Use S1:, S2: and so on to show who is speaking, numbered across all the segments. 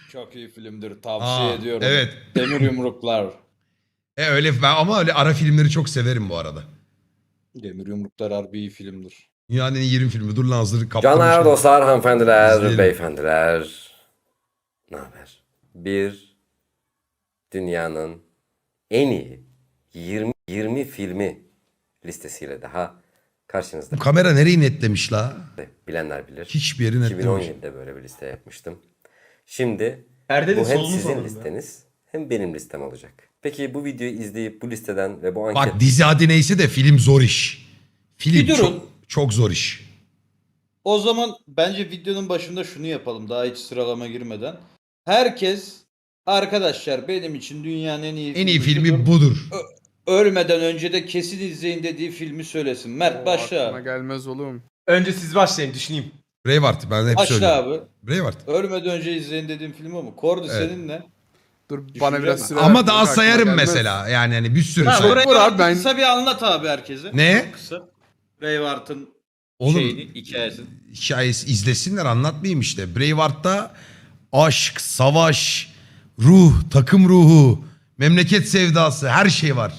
S1: Çok iyi filmdir. Tavsiye ediyorum.
S2: Evet.
S1: Demir Yumruklar.
S2: Öyle ben ama öyle ara filmleri çok severim bu arada.
S1: Demir Yumruklar harbi iyi filmdir.
S2: Dünyanın en iyi 20 filmi. Dur lan hazırlık kaptırmışım.
S3: Canlar, dostlar, hanımefendiler,
S2: İzleyelim.
S3: beyefendiler. Ne haber? Bir dünyanın en iyi 20 filmi listesiyle daha karşınızda.
S2: Bu kamera nereyi netlemiş la?
S3: Bilenler bilir.
S2: Hiçbir yeri netlememiş.
S3: 2017'de böyle bir liste yapmıştım. Şimdi
S4: Perdenin
S3: bu hem
S4: solunu
S3: sizin
S4: soralım
S3: listeniz hem benim listem olacak. Peki bu videoyu izleyip bu listeden ve bu anket...
S2: Bak dizi adı neyse de film zor iş. Film
S1: Bir durun.
S2: çok zor iş.
S1: O zaman bence videonun başında şunu yapalım. Daha hiç sıralama girmeden. Herkes arkadaşlar benim için dünyanın en iyi
S2: En iyi
S1: şudur.
S2: filmi budur.
S1: Ölmeden önce de kesin izleyin dediği filmi söylesin. Mert başla.
S5: Aklıma gelmez oğlum.
S4: Önce siz başlayın, düşüneyim.
S2: Braveheart ben hep
S1: Başla
S2: söylüyorum.
S1: abi.
S2: Braveheart.
S1: Ölmeden önce izleyin dediğim film o mu? Kordu
S2: Evet.
S1: senin ne?
S5: Dur bana
S1: Düşüneceğim.
S5: biraz süre
S2: Ama
S5: ver,
S2: daha
S5: aklıma
S2: sayarım
S5: gelmez.
S2: mesela. Yani hani bir sürü
S1: Tamam,
S2: say.
S1: burayı
S5: Vur abi, ben-
S1: kısa bir anlat abi herkese.
S2: Ne?
S1: Kısa. Braveheart'ın
S2: Oğlum
S1: şeyini, hikayesini.
S2: hikayesi izlesinler anlatmayayım işte. Braveheart'ta aşk, savaş, ruh, takım ruhu, memleket sevdası her şey var.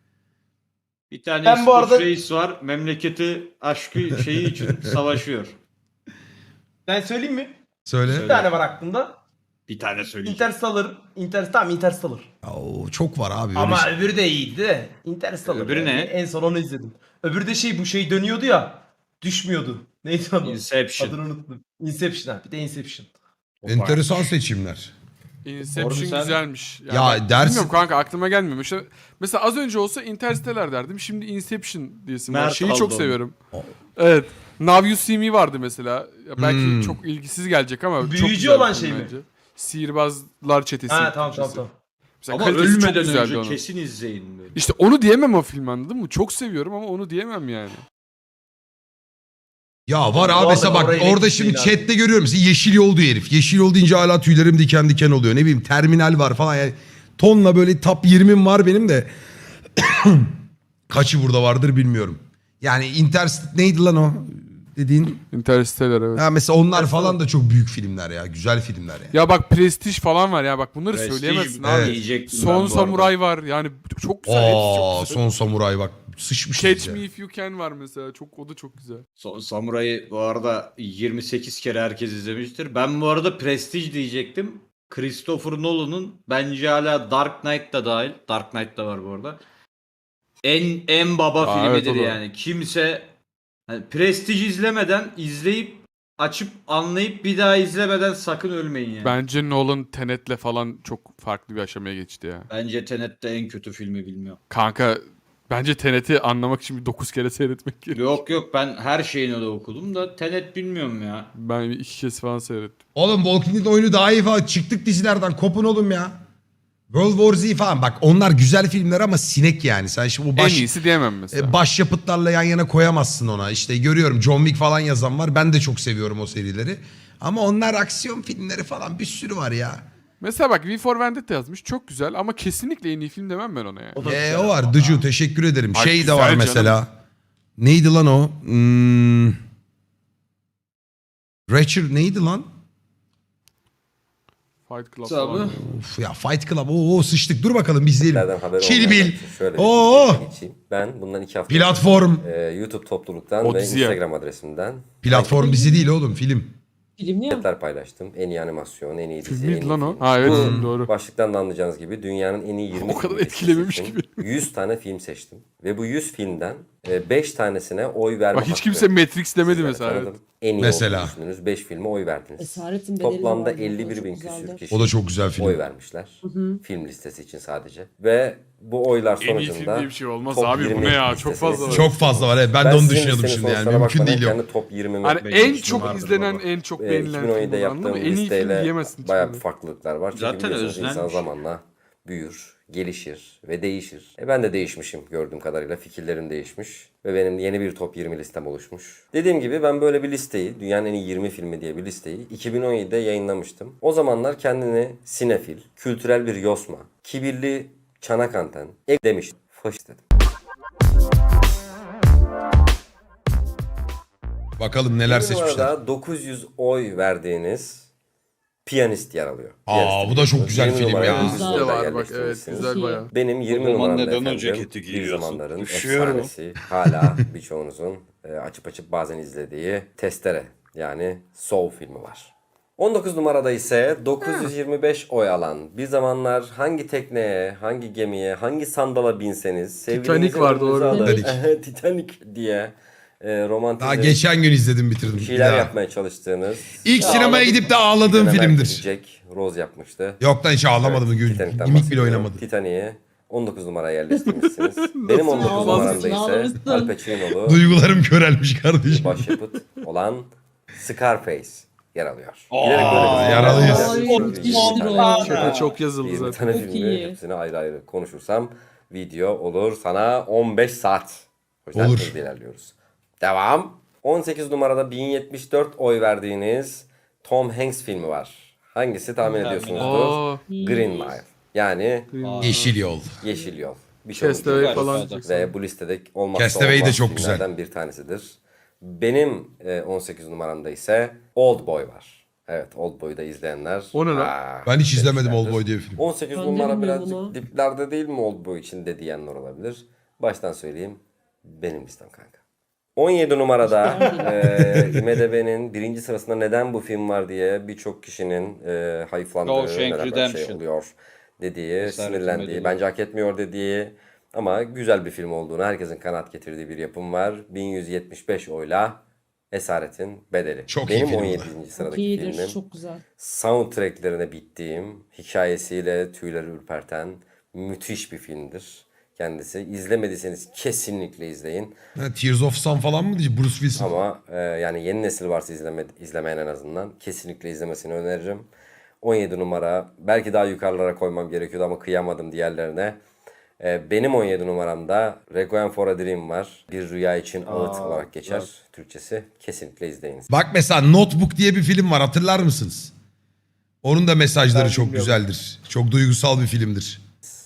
S1: Bir tane
S4: Ben bu arada-
S1: reis var. Memleketi aşkı şeyi için savaşıyor.
S4: Ben söyleyeyim mi?
S2: Söyle.
S4: Bir tane var aklımda.
S1: Bir tane söyleyeyim.
S4: Interstellar.
S2: Oo, çok var abi. Böyle
S4: Ama
S2: şey.
S4: öbürü de iyiydi de. Interstellar.
S1: Öbürü
S4: yani.
S1: ne?
S4: En son onu izledim. Öbürü de bu şey dönüyordu ya. Düşmüyordu. Neydi adı?
S1: Inception.
S4: Adını unuttum. Inception ha. Bir de Inception.
S2: Enteresan seçimler.
S5: Inception
S1: Orada sen-
S5: güzelmiş. Yani
S2: Ya
S5: ben
S2: dersin-
S5: bilmiyorum kanka aklıma gelmiyor. Mesela az önce olsa Interstellar derdim. Şimdi Inception diyesim var.
S1: Mert
S5: Şeyi
S1: aldı
S5: çok
S1: onu.
S5: seviyorum. Evet. Now You See Me vardı mesela. Ya belki
S2: Hmm.
S5: çok ilgisiz gelecek ama çok
S4: Büyücü
S5: güzel bir
S4: olan
S5: film
S4: şey mi?
S5: bence. Sihirbazlar çetesi.
S4: Ha tamam
S5: Türkçesi.
S4: tamam.
S5: Mesela
S1: Ama
S5: kalitesi çok
S1: ölmeden
S5: güzeldi
S1: önce
S5: onun.
S1: kesin izleyin. Böyle.
S5: İşte onu diyemem o film, anladın mı? Çok seviyorum ama onu diyemem yani.
S2: Ya var
S4: Bu
S2: abi mesela
S4: arada
S2: bak
S4: orayı
S2: orada
S4: net
S2: şimdi
S4: değil abi.
S2: chatte görüyorum. Mesela Yeşil Yol diyor herif. Yeşil Yol deyince hala tüylerim diken diken oluyor. Ne bileyim Terminal var falan. Yani tonla böyle top 20'm var benim de. Kaçı burada vardır bilmiyorum. Yani neydi lan o dediğin?
S5: Interstellar, evet.
S2: Ha mesela onlar falan da çok büyük filmler ya. Güzel filmler ya.
S5: Ya bak Prestige falan var ya, bak bunları
S1: Prestige
S5: söyleyemezsin
S2: evet.
S5: abi.
S1: diyecektim ben
S5: Son
S1: bu arada.
S5: Samuray var yani çok güzel, hepsi
S2: Aa,
S5: çok güzel.
S2: Son Samuray bak sıçmışız
S5: Catch
S2: ya.
S5: Me If You Can var mesela, o da çok güzel.
S1: Son Samuray'ı bu arada 28 kere herkes izlemiştir. Ben bu arada Prestige diyecektim. Christopher Nolan'ın bence hala Dark Knight da dahil. Dark Knight da var bu arada. En baba
S5: Aa, evet,
S1: filmidir
S5: o da.
S1: yani. Kimse hani Prestige izlemeden izleyip açıp anlayıp bir daha izlemeden sakın ölmeyin yani.
S5: Bence Nolan Tenet'le falan çok farklı bir aşamaya geçti ya.
S1: Bence Tenet de en kötü filmi bilmiyorum.
S5: Kanka bence Tenet'i anlamak için bir 9 kere seyretmek gerekiyor.
S1: Yok ben her şeyini de okudum da Tenet bilmiyorum ya.
S5: Ben 2 kez falan seyrettim.
S2: Oğlum Walking Dead oyunu daha iyi falan. Çıktık dizilerden kopun oğlum ya. World War Z falan bak onlar güzel filmler ama sinek yani. Sen şimdi bu
S5: En iyisi diyemem mesela.
S2: başyapıtlarla yan yana koyamazsın ona. İşte görüyorum John Wick falan yazan var. Ben de çok seviyorum o serileri. Ama onlar aksiyon filmleri falan bir sürü var ya.
S5: Mesela bak V for Vendetta yazmış, çok güzel ama kesinlikle en iyi film demem ben ona yani.
S4: O da güzel
S2: O var
S4: ama.
S2: Dıcu teşekkür ederim.
S5: Ay,
S2: Şey de
S5: güzel
S2: var
S5: canım.
S2: mesela. Neydi lan o? Ratchet neydi lan?
S5: Fight Club
S1: Tabii.
S5: falan.
S2: Of ya Fight Club. Oo sıçtık. Dur bakalım biz izleyelim.
S3: Nereden haber
S2: Kill
S3: olmayanlar
S2: Bill.
S3: için şöyle
S2: Oo.
S3: bir geçeyim. Ben bundan 2 hafta
S2: Platform.
S3: YouTube topluluktan
S5: O
S3: ve
S5: dizi ya.
S3: Instagram adresimden
S2: Platform dizi değil oğlum film.
S6: Filmli ya.
S3: anketler paylaştım. En iyi animasyon, en iyi dizi,
S5: Film
S3: en
S5: miydi
S3: iyi
S5: lan o?
S3: film.
S5: Ha evet,
S3: Bu
S5: doğru.
S3: başlıktan da anlayacağınız gibi dünyanın en iyi 20
S5: O kadar
S3: filmi
S5: etkilememiş
S3: seçtim.
S5: gibi.
S3: 100 tane film seçtim. Ve bu 100 filmden 5 tanesine oy verme
S5: Bak hiç
S3: hakkı
S5: kimse Matrix demedi
S3: sizlere
S5: mesela. Evet.
S3: tanıdım. En iyi
S2: Mesela.
S3: olduğunu düşündüğünüz 5 filme oy verdiniz.
S6: Esaretin Bedeli
S3: Toplamda
S6: vardı, o da
S3: 51
S6: çok
S3: bin
S6: güzeldi.
S3: küsür kişi
S2: O da çok güzel film.
S3: oy vermişler. Film listesi için sadece. Ve bu oylar
S5: En iyi film
S3: sonucunda
S5: diye bir şey olmaz
S3: top
S5: abi, bu
S3: 20
S5: ne ya, çok
S3: listesine
S5: fazla var.
S2: Çok fazla var evet. Ben de onu
S3: sizin
S2: düşünüyordum
S3: listenin
S2: şimdi yani.
S3: sonuçlarına
S2: Mümkün
S3: bakmadan
S2: değil yok.
S3: kendi top 20'mi
S5: Hani
S1: Benim
S5: en
S1: için
S5: çok
S1: vardır
S5: izlenen,
S1: baba.
S5: en çok beğenilen
S3: 2017'de
S5: film, anladın mı?
S3: yaptığım
S5: En iyi film
S3: listeyle
S5: diyemezsin.
S3: bayağı bir
S5: hiçbirini.
S3: farklılıklar var. Çünkü
S1: Zaten
S3: biliyorsunuz insan
S1: özlenmiş.
S3: zamanla büyür, gelişir ve değişir. Ben de değişmişim gördüğüm kadarıyla. Fikirlerim değişmiş ve benim yeni bir top 20 listem oluşmuş. Dediğim gibi ben böyle bir listeyi, dünyanın en iyi 20 filmi diye bir listeyi 2017'de yayınlamıştım. O zamanlar kendini sinefil, kültürel bir yosma, kibirli çanak anten demiştim. Faşist dedim.
S2: Bakalım neler
S3: Bu
S2: seçmişler.
S3: arada 900 oy verdiğiniz Piyanist yer alıyor.
S2: Aa,
S3: Piyanist'i
S2: bu da çok
S3: biliyorsunuz.
S2: güzel
S3: 20
S2: film
S3: numaraya
S2: ya.
S3: siz
S5: Bizde
S3: orada
S5: var bak, evet,
S3: yerleştirmişsiniz.
S5: güzel bayağı.
S3: Benim 20
S1: O zaman
S3: numaramda
S1: neden o
S3: efendim
S1: ceketi
S3: bir
S1: giyiyorsun?
S3: zamanların
S1: Üşüyorum.
S3: efsanesi hala birçoğunuzun açıp bazen izlediği Testere yani Soul filmi var. 19 numarada ise 925 oy alan bir zamanlar hangi tekneye, hangi gemiye, hangi sandala binseniz sevgilinizin
S5: var, doğru.
S3: önünüze alır,
S2: Titanic.
S3: Titanic diye romantizm
S2: Daha geçen gün izledim bitirdim.
S3: bir
S2: Bir
S3: şeyler
S2: daha.
S3: yapmaya çalıştığınız
S2: İlk
S3: Ya,
S2: sinemaya
S3: ağladım.
S2: gidip de ağladığım
S3: Bir dönem
S2: filmdir.
S3: Jack Rose yapmıştı.
S2: Yok lan hiç ağlamadım.
S3: Evet,
S2: Evet,
S3: Titanic'ten
S2: İmik bile
S3: bahsediyorum.
S2: oynamadı.
S3: Titanic'i 19 numaraya yerleştirmişsiniz. Benim 19
S5: ağlamışsın,
S3: numaramda ise
S6: ağlamışsın.
S3: Al Pacino'lu
S2: Duygularım körelmiş kardeşim.
S3: başyapıt olan Scarface yer alıyor.
S1: Aa,
S3: Bilerek böyle bir
S2: yaralıyız.
S3: Çok
S6: Ay,
S3: iyi.
S6: müthiştir o.
S3: 20 tane
S5: Şaka çok yazıldı
S3: 20
S5: zaten.
S3: tane
S6: Çok
S3: filmi
S6: iyi.
S3: hepsini ayrı ayrı konuşursam video olur sana 15 saat. O yüzden
S2: Olur.
S3: hızlı ilerliyoruz. Devam. 18 numarada 1074 oy verdiğiniz Tom Hanks filmi var. Hangisi tahmin ediyorsunuzdur?
S5: Aa,
S3: Green Mile. Yani
S2: Yeşil Yol.
S3: Yeşil Yol. Bir şey
S5: Castaway
S1: Güzel,
S5: falan
S1: güzel.
S5: diyeceksin.
S3: ve bu listede olmazsa
S2: Castaway de
S3: olmaz
S2: çok
S3: filmlerden bir tanesidir. Benim 18 numaramda ise Old Boy var. Evet, Old Boy'u da izleyenler.
S5: O ne lan?
S2: Ben hiç izlemedim
S3: demişlerdir.
S2: Old Boy diye bir film.
S3: 18
S6: Ben de
S3: numara
S6: bilmiyorum
S3: birazcık
S6: bunu.
S3: diplerde değil mi Old Boy içinde diyenler olabilir. Baştan söyleyeyim. Benim listem kanka. 17 numarada IMDb'nin birinci sırasında neden bu film var diye birçok kişinin hayıflandığı,
S1: Shawshank
S3: neden böyle şey
S1: Redemption.
S3: oluyor dediği,
S1: Esaretin
S3: sinirlendiği,
S1: Bedeli.
S3: bence hak etmiyor dediği ama güzel bir film olduğunu herkesin kanaat getirdiği bir yapım var. 1175 oyla Esaretin Bedeli.
S2: Çok iyi
S3: Benim
S2: film bu da.
S3: 17.
S6: Çok
S3: sıradaki
S6: iyidir.
S3: filmim.
S6: Çok güzel.
S3: Soundtracklerine bittiğim, hikayesiyle tüyleri ürperten müthiş bir filmdir. Kendisi. İzlemediyseniz kesinlikle izleyin.
S2: Ha, Tears of Sun falan mı diyeceğim? Bruce Willis.
S3: Ama yani yeni nesil varsa izlemeyen en azından kesinlikle izlemesini öneririm. 17 numara. Belki daha yukarılara koymam gerekiyordu ama kıyamadım diğerlerine. Benim 17 numaramda Requiem for a Dream var. Bir Rüya için Ağıt olarak geçer Türkçesi. Kesinlikle izleyiniz.
S2: Bak mesela Notebook diye bir film var, hatırlar mısınız? Onun da mesajları
S4: Ben
S2: çok
S4: bilmiyorum.
S2: güzeldir. Çok duygusal bir filmdir.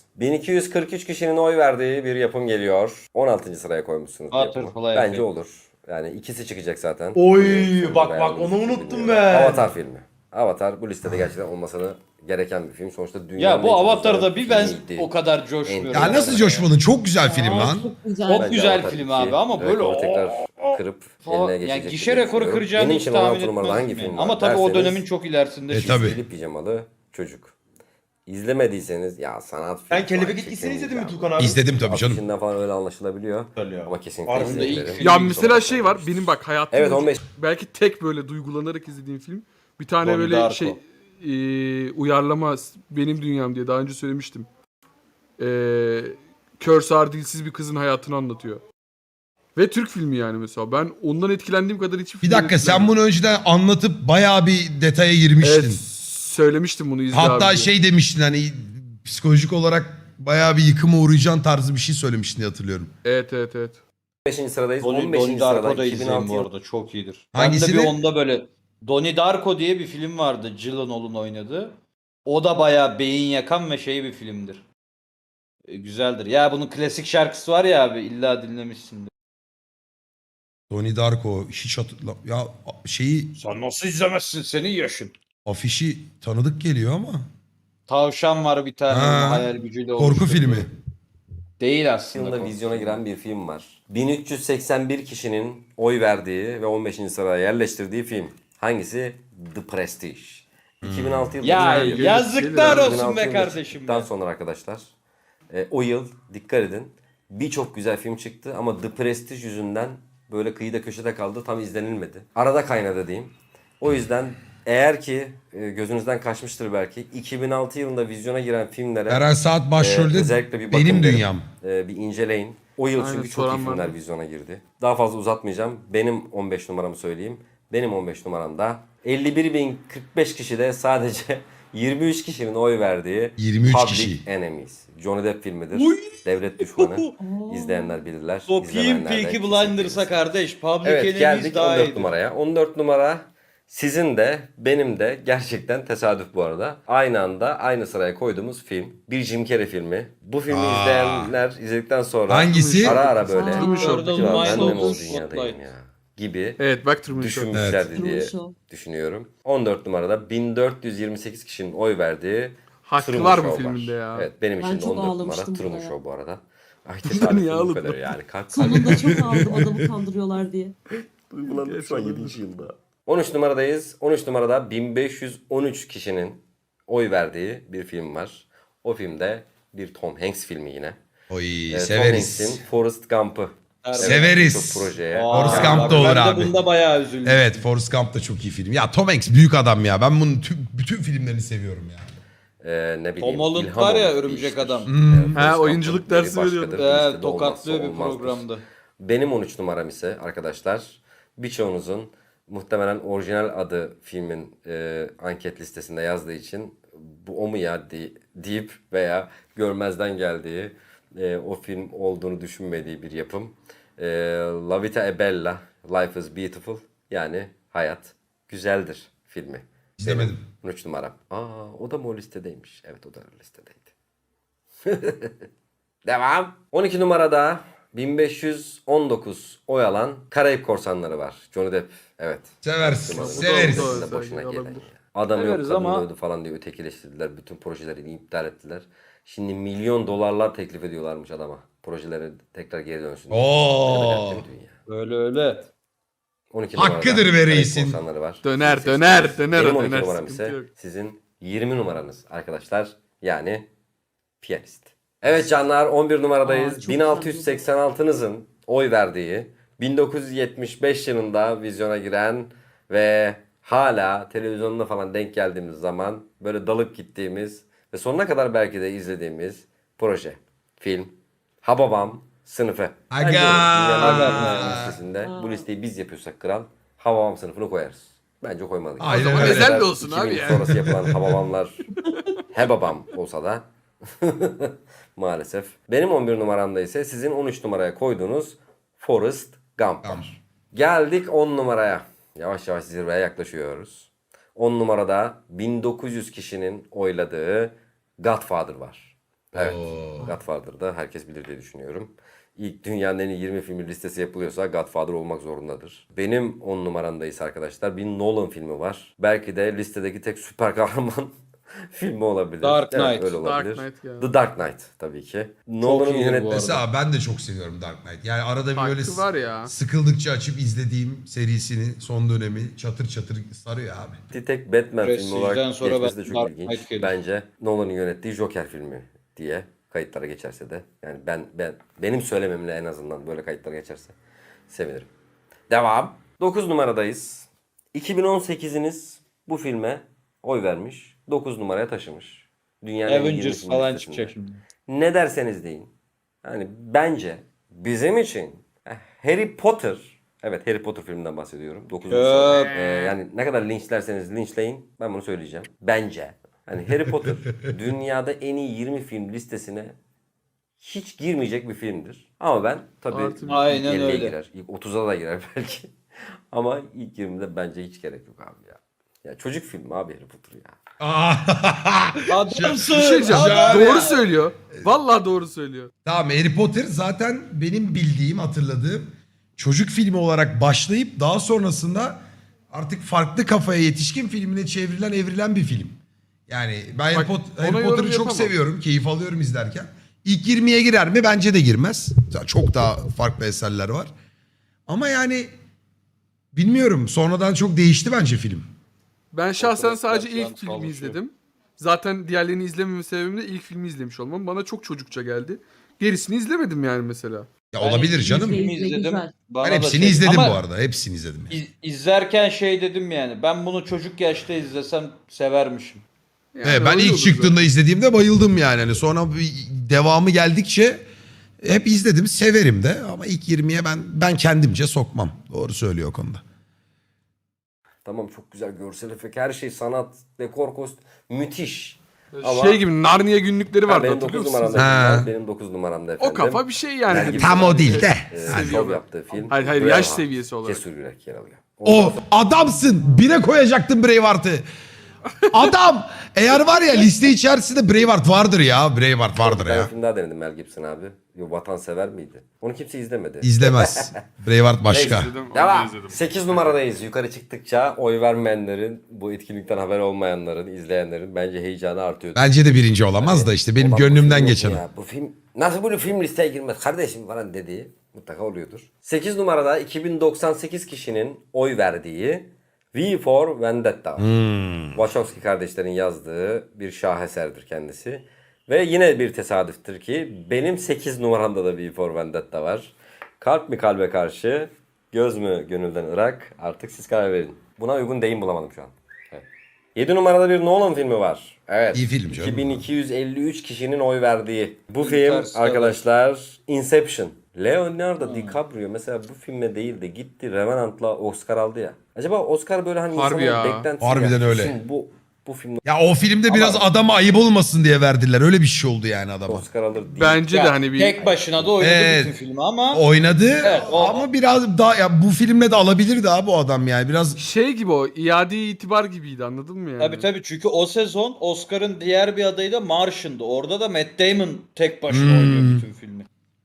S3: 1243 kişinin oy verdiği bir yapım geliyor. 16. sıraya koymuşsunuz bu yapımı.
S1: Butterfly
S3: Bence
S1: Effect.
S3: olur. Yani ikisi çıkacak zaten.
S4: Oy,
S3: Sonunda
S4: bak,
S3: beğendiğinizi
S4: onu unuttum
S3: bilmiyorum.
S4: ben.
S3: Avatar filmi. Avatar bu listede gerçekten olmasını gereken bir film. Sonuçta dünyanın
S1: Ya bu
S3: en çok
S1: Avatar'da
S3: izlenen
S1: bir ben
S3: filmiydi.
S1: o kadar coşmuyorum.
S2: Ya nasıl coşmadın? Çok güzel film
S6: Aa,
S2: lan.
S6: Çok güzel.
S1: Çok
S3: Bence
S1: güzel
S3: Avatar
S1: film
S3: 2
S1: abi ama böyle
S3: rekoru tekrar kırıp
S1: falan.
S3: eline geçecek.
S1: Yani
S3: bir
S1: gişe
S3: film
S1: rekoru
S3: düşünüyorum.
S1: kıracağını
S3: Benim
S1: hiç
S3: için
S1: tahmin
S3: 16 numarada
S1: etmezdim
S3: hangi film
S1: yani.
S3: var
S1: Ama tabii o
S3: derseniz,
S1: dönemin çok ilerisinde.
S2: tabii.
S3: Çizgili pijamalı çocuk. İzlemediyseniz ya sanat filmi.
S4: Sen Kelebek
S3: falan
S4: Etkisi'ni
S3: çekin
S4: izledin mi
S3: ya.
S4: Tukan abi?
S2: İzledim tabii canım.
S3: Afişinden falan öyle anlaşılabiliyor.
S4: Güzel ya.
S3: Ama kesinlikle
S4: Aslında
S1: ilk
S3: izleyin.
S1: film-
S5: Ya mesela şey var, benim bak hayatımda
S3: Evet 15.
S5: belki tek böyle duygulanarak izlediğim film. Bir tane
S1: Donnie
S5: böyle
S1: Darko.
S5: şey uyarlama Benim Dünyam diye daha önce söylemiştim. Kör sağır dilsiz bir kızın hayatını anlatıyor. Ve Türk filmi yani mesela. Ben ondan etkilendiğim kadar hiçbir
S2: Bir
S5: filmden
S2: dakika sen
S5: etkilenmedim.
S2: bunu önceden anlatıp bayağı bir detaya girmiştin.
S5: Evet, söylemiştim bunu izle
S2: Hatta
S5: abi diye.
S2: şey demiştin hani psikolojik olarak bayağı bir yıkıma uğrayacaksın tarzı bir şey söylemiştin diye hatırlıyorum.
S5: Evet.
S3: 15. sıradayız.
S1: Donnie
S3: 15. sırada
S1: Darko da izleyin
S3: 2006
S1: bu
S3: yılı.
S1: arada çok iyidir.
S2: Hangisini?
S1: Ben de bir onda böyle Donnie Darko diye bir film vardı. Gyllenhaal'ın oynadığı. O da bayağı beyin yakan ve şey bir filmdir. Güzeldir. Ya bunun klasik şarkısı var ya abi illa dinlemişsindir.
S2: Donnie Darko hiç hatırla... Ya şeyi
S1: Sen nasıl izlemezsin senin yaşın?
S2: afişi tanıdık geliyor ama.
S1: Tavşan var bir tane
S2: Ha,
S1: hayal gücüyle
S2: Korku
S1: oluşturduğu.
S2: filmi.
S1: Değil aslında.
S3: yılında
S1: korku
S3: vizyona
S1: filmi.
S3: giren bir film var. 1381 kişinin oy verdiği ve 15. sıraya yerleştirdiği film. Hangisi? The Prestige. 2006 yılında
S1: Ya
S3: çıkan bir film.
S1: yazıklar
S5: Gelir
S1: olsun
S3: 2006
S1: be
S3: yılında
S1: kardeşim.
S3: çıktıktan
S1: be.
S3: sonra arkadaşlar o yıl dikkat edin birçok güzel film çıktı ama The Prestige yüzünden böyle kıyıda köşede kaldı, tam izlenilmedi. Arada kaynadı diyeyim. O yüzden eğer ki gözünüzden kaçmıştır belki 2006 yılında vizyona giren filmlere
S2: Eren Saat başrolde
S3: özellikle bir bakın
S2: Benim
S3: derim.
S2: Dünyam.
S3: Bir inceleyin. O yıl
S5: Aynen,
S3: çünkü çok iyi
S5: soran
S3: filmler
S5: vardı.
S3: vizyona girdi. Daha fazla uzatmayacağım. Benim 15 numaramı söyleyeyim. Benim 15 numaramda 51.045 kişide sadece 23 kişinin oy verdiği
S2: 23
S3: Public
S2: kişi.
S3: Enemies. Johnny Depp filmidir. Devlet düşmanı. İzleyenler bilirler.
S1: Sokayım
S3: İzlemeyenler de
S1: Peaky
S3: kesinlikle
S1: Blinders'a
S3: izlesin.
S1: kardeş. Public
S3: Evet
S1: Enemies
S3: geldik
S1: daha
S3: 14
S1: iyidir.
S3: numaraya. 14 numara sizin de benim de gerçekten tesadüf bu arada. Aynı anda aynı sıraya koyduğumuz film. Bir Jim Carrey filmi. Bu filmi
S2: Aa.
S3: izleyenler izledikten sonra
S2: Hangisi?
S3: ara ara böyle.
S5: Truman Show.
S3: "Acaba ben de mi o
S1: Minus
S3: dünyadayım
S1: Spotlight.
S3: ya? gibi
S5: Evet, bak Truman Show.
S3: düşünmüşlerdi diye
S6: Truman Show.
S3: düşünüyorum. 14 numarada 1428 kişinin oy verdiği
S5: Hakkı
S3: Truman
S5: var bu
S3: Show
S5: filminde ya.
S3: Evet, benim
S6: Ben
S3: için de
S6: çok
S3: 14 numara
S6: ağlamıştım
S3: Truman
S6: buna ya.
S3: Show bu arada. Ay
S5: Niye
S3: tesadüf bu
S5: ağladın?
S3: kadar yani. Kalk
S6: Sonunda çok ağladım adamı kandırıyorlar diye.
S3: Duygulandım şu an 7. yılda. 13 numaradayız. 13 numarada 1513 kişinin oy verdiği bir film var. O filmde bir Tom Hanks filmi yine.
S2: Oy
S3: Tom
S2: severiz.
S3: Hanks'in Forrest Gump'ı.
S2: Severiz.
S3: Çok projeye.
S2: Forrest
S1: Aa,
S2: Gump da olur
S1: ben de
S2: abi.
S1: bunda bayağı üzüldüm.
S2: Evet Forrest Gump da çok iyi film. Ya Tom Hanks büyük adam ya. Ben bunun bütün filmlerini seviyorum ya.
S3: Ne bileyim.
S1: Tom Holland
S3: İlham
S1: var ya
S3: Holland
S1: Örümcek
S3: değiştir.
S1: Adam.
S3: Forrest
S5: Ha,
S3: Gump'ın
S5: oyunculuk
S3: yeri
S5: dersi
S3: başkadır.
S5: veriyordu.
S3: Bu listede
S1: Evet, tokatlıyor
S3: olmazsa
S1: bir
S3: olmazdır.
S1: programda.
S3: Benim 13 numaram ise arkadaşlar birçoğunuzun muhtemelen orijinal adı filmin anket listesinde yazdığı için bu o mu ya deyip veya görmezden geldiği o film olduğunu düşünmediği bir yapım. La Vita è Bella, Life is Beautiful yani Hayat Güzeldir filmi.
S2: İzlemedim.
S3: Benim 13 numaram. O da mı o listedeymiş? Evet o da o listedeydi. Devam. 12 numarada 1519 oy alan Karayip Korsanları var. Johnny Depp. Evet.
S2: Severiz.
S3: Numaranın
S2: Severiz.
S3: listesinde başına gelen ya. Adam yok
S1: Severiz
S3: kadın
S1: ama-
S3: öldü falan diye ötekileştirdiler. Bütün projelerini iptal ettiler. Şimdi milyon dolarlar teklif ediyorlarmış adama. Projeleri tekrar geri dönsün.
S2: Oo.
S3: Ne kadar dünya.
S1: Öyle öyle.
S3: 12
S2: Hakkıdır
S3: numarada
S2: be
S3: Karayip
S2: reisin.
S3: Korsanları var.
S5: Döner,
S3: 18
S5: döner,
S3: numarası.
S5: döner,
S3: Benim 12
S5: döner,
S3: numaram
S5: sıkıntı
S3: ise
S5: yok.
S3: sizin 20 numaranız arkadaşlar. Yani piyanist. Evet canlar 11 numaradayız.
S6: Aa, çok
S3: 1686'nızın oy verdiği 1975 yılında vizyona giren ve hala televizyonda falan denk geldiğimiz zaman böyle dalıp gittiğimiz ve sonuna kadar belki de izlediğimiz proje, film Hababam Sınıfı.
S2: Aga.
S3: Dünyanın listesinde bu listeyi biz yapıyorsak kral Hababam sınıfını koyarız. Bence koymalıyız.
S2: Aynen
S5: zaman
S2: öyle.
S5: ezel de olsun
S3: 2000
S5: abi ya.
S3: sonrası yapılan Hababamlar Hebabam olsa da maalesef. Benim 11 numaramda ise sizin 13 numaraya koyduğunuz Forrest Gump var. Geldik 10 numaraya. Yavaş yavaş zirveye yaklaşıyoruz. 10 numarada 1900 kişinin oyladığı Godfather var. Evet. Godfather'da herkes bilir diye düşünüyorum. İlk dünyanın en iyi 20 filmi listesi yapılıyorsa Godfather olmak zorundadır. Benim 10 numaramda ise arkadaşlar bir Nolan filmi var. Belki de listedeki tek süper kahraman filmi olabilir.
S1: Dark
S3: Evet,
S1: Knight.
S3: öyle olabilir.
S5: Dark Knight ya.
S3: The Dark Knight tabii ki. Nolan'ın
S1: iyi bu
S3: yönetmesi.
S2: Mesela ben de çok seviyorum Dark Knight. Yani arada bir
S5: Hakkı
S2: böyle
S5: var ya.
S2: sıkıldıkça açıp izlediğim serisini son dönemi çatır çatır sarıyor abi.
S3: Tek Batman filmi
S1: Prestige'den
S3: olarak
S1: sonra
S3: geçmesi de
S1: ben
S3: çok
S1: Dark
S3: ilginç.
S1: Knight gelir.
S3: Bence Nolan'ın yönettiği Joker filmi diye kayıtlara geçerse de yani benim söylememle en azından böyle kayıtlara geçerse sevinirim. Devam. 9 numaradayız. 2018'iniz bu filme oy vermiş. 9 numaraya taşımış. Dünyanın en iyi 20
S1: Avengers
S3: film
S1: falan
S3: listesinde.
S1: çıkacak şimdi.
S3: Ne derseniz deyin. Yani bence bizim için Harry Potter, evet Harry Potter filminden bahsediyorum. 9.
S1: Çöp.
S3: Yani ne kadar linçlerseniz linçleyin ben bunu söyleyeceğim. Bence hani Harry Potter dünyada en iyi 20 film listesine hiç girmeyecek bir filmdir. Ama ben tabii
S5: Artı
S3: ilk
S1: Aynen
S3: 50'ye
S1: öyle.
S3: girer. İlk 30'a da girer belki. Ama ilk 20'de bence hiç gerek yok abi ya. Ya çocuk filmi abi Harry Potter ya.
S1: Adamsın.
S5: Bir şey diyeceğim.
S2: Abi
S5: Doğru
S2: ya.
S5: söylüyor. Vallahi doğru söylüyor.
S2: Tamam Harry Potter zaten benim bildiğim, hatırladığım çocuk filmi olarak başlayıp daha sonrasında artık farklı kafaya yetişkin filmine çevrilen, evrilen bir film. Yani ben
S5: Bak, ona
S2: Harry
S5: yorum
S2: Potter'ı çok
S5: yapamam.
S2: seviyorum, keyif alıyorum izlerken. İlk 20'ye girer mi? Bence de girmez. Çok daha farklı eserler var. Ama yani bilmiyorum, sonradan çok değişti bence film.
S5: Ben şahsen
S1: Arkadaşlar
S5: sadece
S1: şu an
S5: ilk filmi
S1: çalışıyor.
S5: izledim. Zaten diğerlerini izlememe sebebim de ilk filmi izlemiş olmam. Bana çok çocukça geldi. Gerisini izlemedim yani mesela.
S2: Ya olabilir
S1: Ben
S2: canım.
S1: filmi
S6: İzle,
S1: izledim.
S6: güzel.
S1: Bana
S2: Ben
S1: da
S2: hepsini
S1: şey-
S2: izledim
S1: Ama
S2: bu arada. Hepsini izledim.
S1: izlerken şey dedim yani. Ben bunu çocuk yaşta izlesem severmişim.
S5: Yani
S2: Evet, ben
S5: öyle
S2: ilk
S5: olur
S2: çıktığında izlediğimde bayıldım yani. Hani sonra bir devamı geldikçe hep izledim, severim de ama ilk 20'ye ben kendimce sokmam. Doğru söylüyor o konuda.
S3: Tamam çok güzel görsel efekt, her şey sanat, dekor, müthiş.
S5: zaten.
S3: Ama-
S5: Şey gibi Narnia günlükleri vardı
S3: Benim
S5: hatırlıyor
S3: 9
S5: musunuz?
S3: numaramda.
S2: Ha.
S3: Benim 9 numaramda efendim.
S5: O kafa bir şey yani.
S3: Mel Gibson
S2: Tam o değil de.
S3: şov
S5: Seviyorum.
S3: yaptığı film.
S5: Hayır, yaş
S3: Braveheart.
S5: seviyesi olarak.
S3: Cesur Yürek yer alıyor. Ondan
S2: O adamsın. Bire koyacaktım Braveheart'ı. Adam eğer var ya liste içerisinde Braveheart vardır ya. Braveheart vardır
S3: Bir tane
S2: ya.
S3: film daha denedim Mel Gibson abi. Yo, Vatansever miydi? Onu kimse izlemedi.
S2: İzlemez. Braveheart başka.
S3: Neyse.
S5: İzledim, onu da
S3: Devam.
S5: izledim.
S3: 8 numaradayız. Yukarı çıktıkça oy vermeyenlerin, bu etkinlikten haber olmayanların, izleyenlerin bence heyecanı artıyor.
S2: Bence de birinci olamaz da işte benim
S3: Ulan bu film
S2: gönlümden
S3: yok mu
S2: geçen.
S3: ya? Bu film nasıl bu film listeye girmez kardeşim falan dediği mutlaka oluyordur. 8 numarada 2098 kişinin oy verdiği V for Vendetta. Wachowski kardeşlerin yazdığı bir şaheserdir kendisi. Ve yine bir tesadüftür ki benim 8 numaramda da V for Vendetta var. Kalp mi kalbe karşı, göz mü gönülden ırak, artık siz karar verin. Buna uygun deyim bulamadım şu an. Evet. 7 numarada bir Nolan filmi var. Evet.
S2: İyi film canım.
S3: 2253 kişinin oy verdiği. Bu film
S1: Interstellar.
S3: arkadaşlar Inception. Leonardo DiCaprio mesela bu filme değil de gitti Revenant'la Oscar aldı ya. Acaba Oscar böyle hani
S5: Harbi
S3: insanın
S5: ya.
S3: beklentisi
S2: Harbiden
S3: ya.
S2: öyle.
S3: Şimdi bu film
S2: Ya o filmde biraz adama ayıp olmasın diye verdiler. Öyle bir şey oldu yani adama.
S3: Oscar alır değil.
S5: Bence de
S1: Ya,
S5: hani bir
S1: tek başına da oynadı
S2: Evet.
S1: bütün filmi ama
S2: Oynadı
S1: Evet,
S2: ama biraz daha ya bu filmle de alabilirdi abi o adam yani. Biraz
S5: şey gibi o iade itibar gibiydi, anladın mı yani?
S1: tabii çünkü o sezon Oscar'ın diğer bir adayı da Martian'dı. Orada da Matt Damon tek başına oynuyor bütün filmi.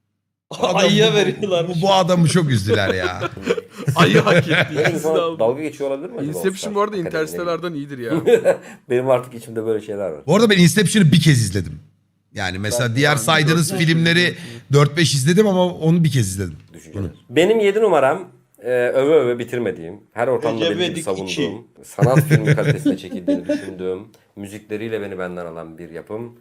S2: adam-
S1: Ayıya veriyorlar.
S2: bu adamı çok üzdüler ya.
S5: Ayı hak etti.
S3: Benim
S5: İkisini
S3: sana
S5: aldı.
S3: dalga geçiyor olabilir mi acaba
S5: Inception
S3: Oscar?
S5: bu arada
S3: Akademi,
S5: Interstellar'dan iyidir ya.
S3: ne bileyim. Benim artık içimde böyle şeyler var.
S2: Bu arada ben Inception'ı bir kez izledim. Yani mesela diğer saydığınız filmleri 4-5 izledim ama onu bir kez izledim.
S3: Düşünceler. Benim 7 numaram öve öve bitirmediğim, her ortamda
S1: Recep
S3: benim gibi
S1: İvedik
S3: savunduğum, sanat filmi kalitesinde çekildiğini düşündüğüm, müzikleriyle beni benden alan bir yapım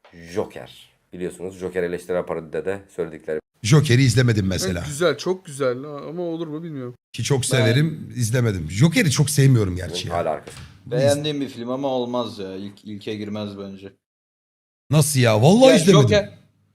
S3: Joker. Biliyorsunuz Joker eleştirel parodide de söyledikleri
S2: Joker'i izlemedim
S5: Evet,
S2: mesela.
S5: güzel, çok güzel ama olur mu bilmiyorum.
S2: Ki çok severim, izlemedim. Joker'i çok sevmiyorum gerçi ya.
S3: hala arkası.
S1: Beğendiğim bir film ama olmaz ya. İlke girmez bence.
S2: Nasıl ya? Vallahi
S1: Ya
S2: izlemedim.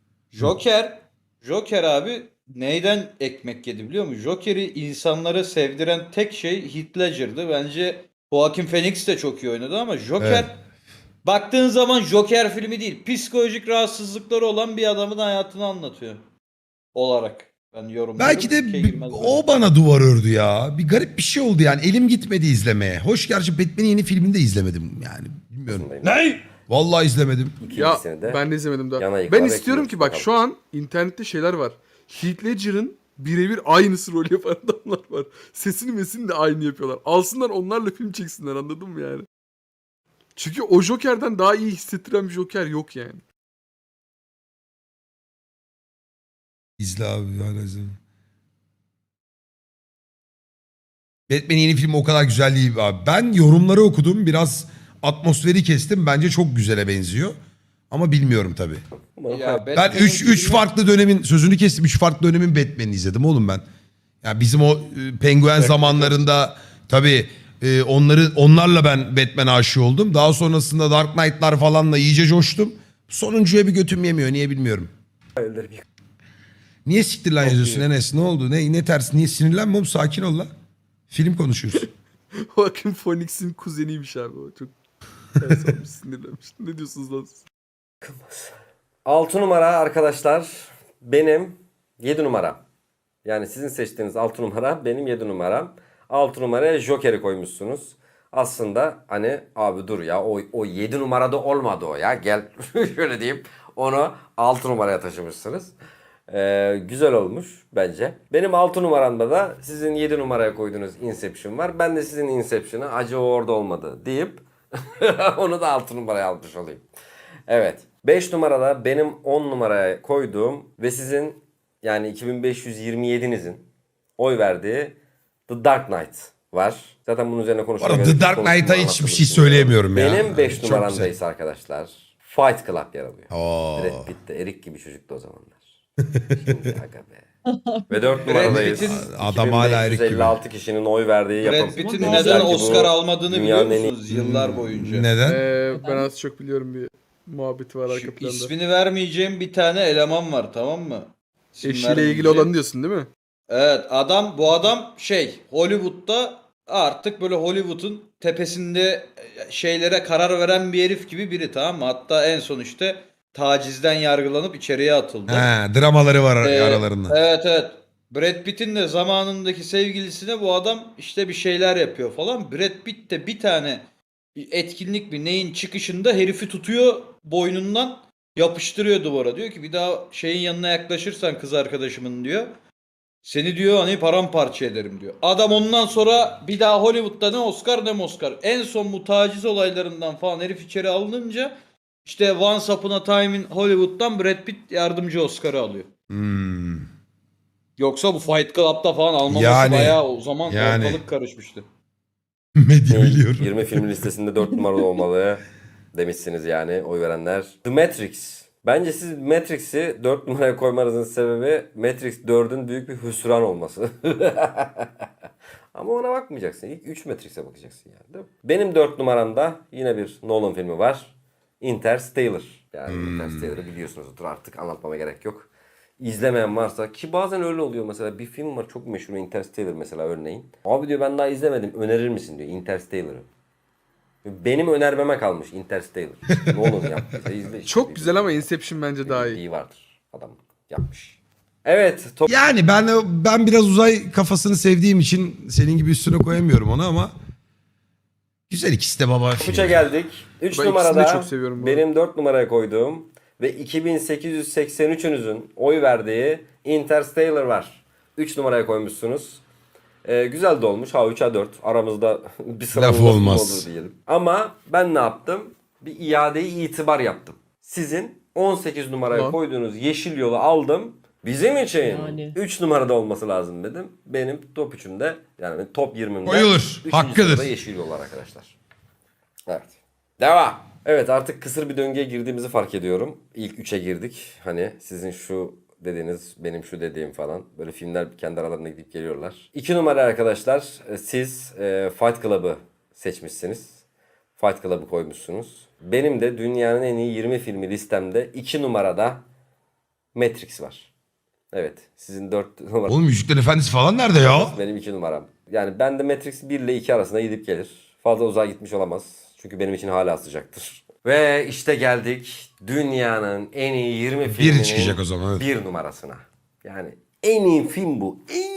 S1: Joker abi neyden ekmek yedi biliyor musun? Joker'i insanlara sevdiren tek şey Heath Ledger'dı. Bence Joaquin Phoenix de çok iyi oynadı ama Joker
S2: Evet.
S1: baktığın zaman Joker filmi değil. Psikolojik rahatsızlıkları olan bir adamın hayatını anlatıyor. Olarak ben yorumluyorum.
S2: Belki de
S1: İlke girmez
S2: o
S1: bence.
S2: bana duvar ördü ya. Bir garip bir şey oldu yani. Elim gitmedi izlemeye. Hoş gerçi Batman'in yeni filmini de izlemedim yani. Bilmiyorum.
S1: Ne?
S2: Vallahi izlemedim.
S5: Ya
S3: İkincisini de
S5: ben de izlemedim daha.
S3: yana yıkıla
S5: Ben istiyorum
S3: bekliyoruz
S5: ki bak
S3: bakalım.
S5: şu an internette şeyler var. Heath Ledger'ın birebir aynısı rol yapan adamlar var. Sesini mesini de aynı yapıyorlar. Alsınlar onlarla film çeksinler, anladın mı yani? Çünkü o Joker'den daha iyi hissettiren bir Joker yok yani.
S2: İzle abi. Hala izle. Batman'in yeni filmi o kadar güzel değil abi. Ben yorumları okudum. Biraz atmosferi kestim. Bence çok güzele benziyor. Ama bilmiyorum tabii.
S1: Ya
S2: Ben
S1: Batman'in
S2: 3
S1: filmi-
S2: farklı dönemin sözünü kestim. 3 farklı dönemin Batman'ini izledim oğlum ben. Ya bizim o penguen zamanlarında tabii onlarla ben Batman aşığı oldum. Daha sonrasında Dark Knight'lar falanla iyice coştum. Sonuncuya bir götüm yemiyor. Niye bilmiyorum. Niye siktir lan yazıyorsun Enes? Ne oldu? Ne ters? Niye sinirlenme oğlum? Sakin ol lan. Film konuşuyoruz.
S5: Joaquin Phoenix'in kuzeniymiş abi o. Çok ters olmuş, sinirlenmiş. Ne diyorsunuz lan siz?
S3: 6 numara arkadaşlar benim 7 numaram. Yani sizin seçtiğiniz 6 numara benim 7 numaram. 6 numaraya Joker'i koymuşsunuz. Aslında hani abi dur ya o 7 numarada olmadı o ya. Gel şöyle diyeyim onu 6 numaraya taşımışsınız. Güzel olmuş bence. Benim 6 numaramda da sizin 7 numaraya koyduğunuz Inception var. Ben de sizin Inception'ı acı o orada olmadı deyip onu da 6 numaraya almış olayım. Evet. 5 numarada benim 10 numaraya koyduğum ve sizin yani 2527'nizin oy verdiği The Dark Knight var. Zaten bunun üzerine
S2: Bu
S3: konuşmaya
S2: arada
S3: gerek
S2: The
S3: yok.
S2: Dark Knight'a
S3: Konuştuğumu
S2: hiçbir şey
S3: anlatırım.
S2: söyleyemiyorum ya.
S3: Benim 5
S2: Çok
S3: numaramdayız
S2: güzel.
S3: arkadaşlar. Fight Club yer alıyor.
S2: Oo.
S3: Brad Pitt de erik gibi çocuktu o zamanlar. Şimdi aga be. Ve 4 numaradayız.
S1: Pitt'in-
S2: Adam hala erik gibi.
S3: 2556 kişinin oy verdiği yapım.
S1: Brad Pitt'in
S3: Güzel
S1: neden
S3: ki bu
S1: Oscar almadığını biliyor
S3: dünyanın en iyi-
S1: musunuz yıllar boyunca?
S2: Neden?
S5: Ben az çok biliyorum, bir muhabbeti var arka
S1: Şu
S5: planda.
S1: ismini vermeyeceğim bir tane eleman var, tamam mı? İsim
S5: Eşiyle ilgili
S1: vermeyeceğim.
S5: olan diyorsun değil mi?
S1: Evet, bu adam Hollywood'da artık böyle Hollywood'un tepesinde şeylere karar veren bir herif gibi biri, tamam mı? Hatta en son işte tacizden yargılanıp içeriye atıldı.
S2: He, dramaları var
S1: Ee,
S2: aralarında.
S1: Evet. Brad Pitt'in de zamanındaki sevgilisine bu adam işte bir şeyler yapıyor falan. Brad Pitt de bir tane bir etkinlik bir neyin çıkışında herifi tutuyor boynundan, yapıştırıyor duvara. Diyor ki bir daha şeyin yanına yaklaşırsan kız arkadaşımın diyor. Seni diyor hani paramparça ederim diyor. Adam ondan sonra bir daha Hollywood'da ne Oscar ne Oscar. En son bu taciz olaylarından falan herif içeri alınınca işte Once Upon a Time in Hollywood'dan Brad Pitt yardımcı Oscar'ı alıyor.
S2: Hmm.
S1: Yoksa bu Fight Club'da falan almaması
S2: Yani-
S1: bayağı o zaman
S2: yani-
S1: ortalık karışmıştı.
S2: Medya biliyorum.
S3: 20 film listesinde 4 numaralı olmalı demişsiniz yani oy verenler. The Matrix. Bence siz Matrix'i 4 numaraya koymanızın sebebi Matrix 4'ün büyük bir hüsran olması. Ama ona bakmayacaksın. İlk 3 Matrix'e bakacaksın yani değil mi? Benim 4 numaramda yine bir Nolan filmi var. Interstellar. Yani Interstellar'ı biliyorsunuzdur, artık anlatmama gerek yok. İzlemeyen varsa, ki bazen öyle oluyor, mesela bir film var çok meşhur, Interstellar mesela örneğin. Abi diyor ben daha izlemedim, önerir misin diyor Interstellar'ı. Benim önermeme kalmış Interstellar. Ne olur yaptıysa izle işte.
S5: Çok güzel ama Inception bence daha iyi.
S3: İyi vardır. Adam yapmış. Evet.
S2: Yani ben biraz uzay kafasını sevdiğim için senin gibi üstüne koyamıyorum onu ama güzel ikisi de baba.
S3: Topuça geldik. 3
S5: Ben
S3: numarada
S5: ikisini de çok seviyorum bu arada.
S3: benim 4 numaraya koyduğum ve 2883'ünüzün oy verdiği Interstellar var. 3 numaraya koymuşsunuz. Güzel de olmuş. Ha 3 ha 4. Aramızda bir sıra
S2: Laf olmaz.
S3: olur diyelim. Ama ben ne yaptım? Bir iade-i itibar yaptım. Sizin 18 numaraya
S5: Lan.
S3: koyduğunuz Yeşil Yol'u aldım. Bizim için
S6: Yani.
S3: 3 numarada olması lazım dedim. Benim top 3'ümde, yani top 20'imde
S2: Koyulur.
S3: 3.
S2: Hakkıdır.
S3: sırada Yeşil Yol var arkadaşlar. Evet. Devam. Evet, artık kısır bir döngüye girdiğimizi fark ediyorum. İlk 3'e girdik. Hani sizin şu dediğiniz, benim şu dediğim falan. Böyle filmler kendi aralarına gidip geliyorlar. 2 numara arkadaşlar. Siz Fight Club'ı seçmişsiniz. Fight Club'ı koymuşsunuz. Benim de dünyanın en iyi 20 filmi listemde 2 numarada Matrix var. Evet. Sizin 4 numara.
S2: Oğlum Yüzüklerin Efendisi falan nerede ya?
S3: Benim 2 numaram. Yani ben de Matrix 1 ile 2 arasında gidip gelir. Fazla uzağa gitmiş olamaz. Çünkü benim için hala sıcaktır. Ve işte geldik dünyanın en iyi 20 filminin
S2: Biri çıkacak o zaman, evet.
S3: 1 numarasına. Yani en iyi film bu.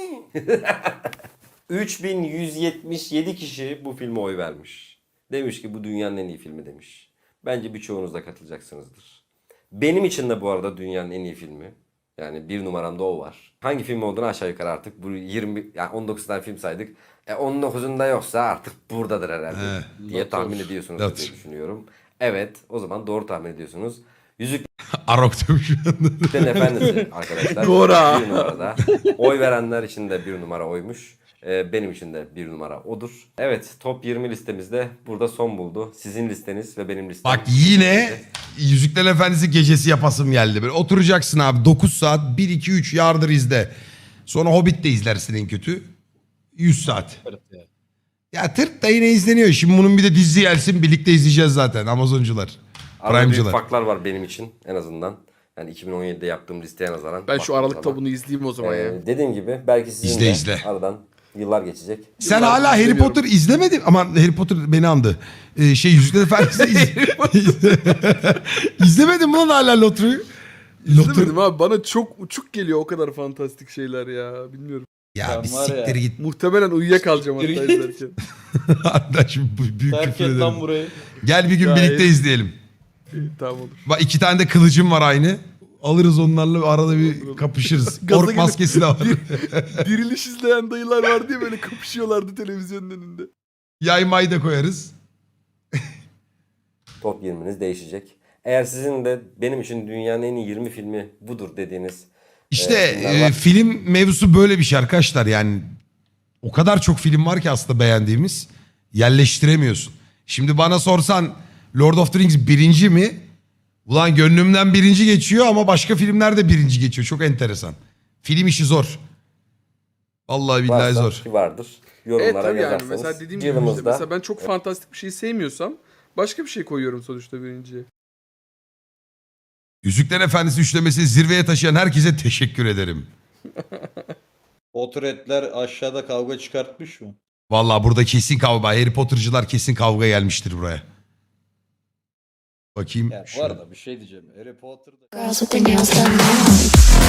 S3: 3177 kişi bu filme oy vermiş. Demiş ki bu dünyanın en iyi filmi demiş. Bence birçoğunuz da katılacaksınızdır. Benim için de bu arada dünyanın en iyi filmi. Yani 1 numaramda o var. Hangi film olduğunu aşağı yukarı artık bu 20 yani 19 tane film saydık. 19'unda yoksa artık buradadır herhalde diye tahmin ediyorsunuz
S2: Not.
S3: diye düşünüyorum. Evet, o zaman doğru tahmin ediyorsunuz. Yüzüklerin
S2: Arok demiş.
S3: Efendisi arkadaşlar.
S5: Gora.
S3: 1 numarada. Oy verenler için de 1 numara oymuş. Benim için de 1 numara odur. Evet, top 20 listemizde burada son buldu. Sizin listeniz ve benim listem.
S2: Bak yine Yüzüklerin Efendisi gecesi yapasım geldi. Böyle oturacaksın abi 9 saat 1-2-3 yardır izle. Sonra Hobbit de izlersin en kötü. 100 saat. Ya tırt da yine izleniyor. Şimdi bunun bir de dizi gelsin birlikte izleyeceğiz zaten Amazoncular.
S3: Arada büyük
S2: Prime'cılar.
S3: farklar var benim için en azından. Yani 2017'de yaptığım listeye nazaran.
S5: Ben şu
S3: baktığım
S5: Aralık'ta
S3: zaman.
S5: bunu izleyeyim o zaman ya.
S3: Dediğim gibi belki sizin
S2: İzle,
S3: de
S2: izle.
S3: aradan yıllar geçecek.
S2: Sen
S5: Yıllardır
S2: hala Harry
S5: izlemiyorum.
S2: Potter izlemedin ama Harry Potter beni andı. Yüzüklerin Efendisi İzlemedin mi lan hala Lotri'yi?
S5: İzlemedim abi, bana çok uçuk geliyor o kadar fantastik şeyler ya, bilmiyorum.
S2: Ya
S1: Ben
S2: bir
S1: var ya.
S2: siktir git.
S5: Muhtemelen uyuyakalacağım hatta
S1: Siktir git.
S5: izlerken.
S2: Hatta şimdi büyük
S1: Terk
S2: küfür
S1: et lan
S2: ederim.
S1: burayı.
S2: Gel bir gün
S5: Gayet-
S2: birlikte izleyelim.
S5: İyi, tamam olur.
S2: Bak 2 tane de kılıcım var aynı. Alırız onlarla arada bir kapışırız.
S5: Gaza
S2: Ork
S5: gelip-
S2: maskesi de var.
S5: Diriliş izleyen dayılar var diye böyle kapışıyorlardı televizyonun önünde.
S2: Yay may da koyarız.
S3: Top 20'niz değişecek. Eğer sizin de benim için dünyanın en iyi 20 filmi budur dediğiniz
S2: İşte
S3: filmler var.
S2: film mevzusu böyle bir şey arkadaşlar. Yani o kadar çok film var ki aslında beğendiğimiz. Yerleştiremiyorsun. Şimdi bana sorsan Lord of the Rings birinci mi? Ulan gönlümden birinci geçiyor ama başka filmler de birinci geçiyor. Çok enteresan. Film işi zor. Vallahi billahi
S3: varsa
S2: zor.
S3: ki vardır.
S5: Evet
S3: Yorumlara
S5: tabii yani
S3: yazarsanız.
S5: mesela dediğim gibi işte,
S3: yılımızda
S5: mesela ben çok fantastik bir şey sevmiyorsam başka bir şey koyuyorum sonuçta birinciye.
S2: Yüzüklerin Efendisi üçlemesini zirveye taşıyan herkese teşekkür ederim.
S1: Potretler aşağıda kavga çıkartmış mı?
S2: Vallahi burada kesin kavga. Harry Potter'cılar kesin kavga gelmiştir buraya. Bakayım.
S1: Ya
S2: şu-
S1: var da bir şey diyeceğim. Harry Potter'da...
S7: Girls with their nails done now.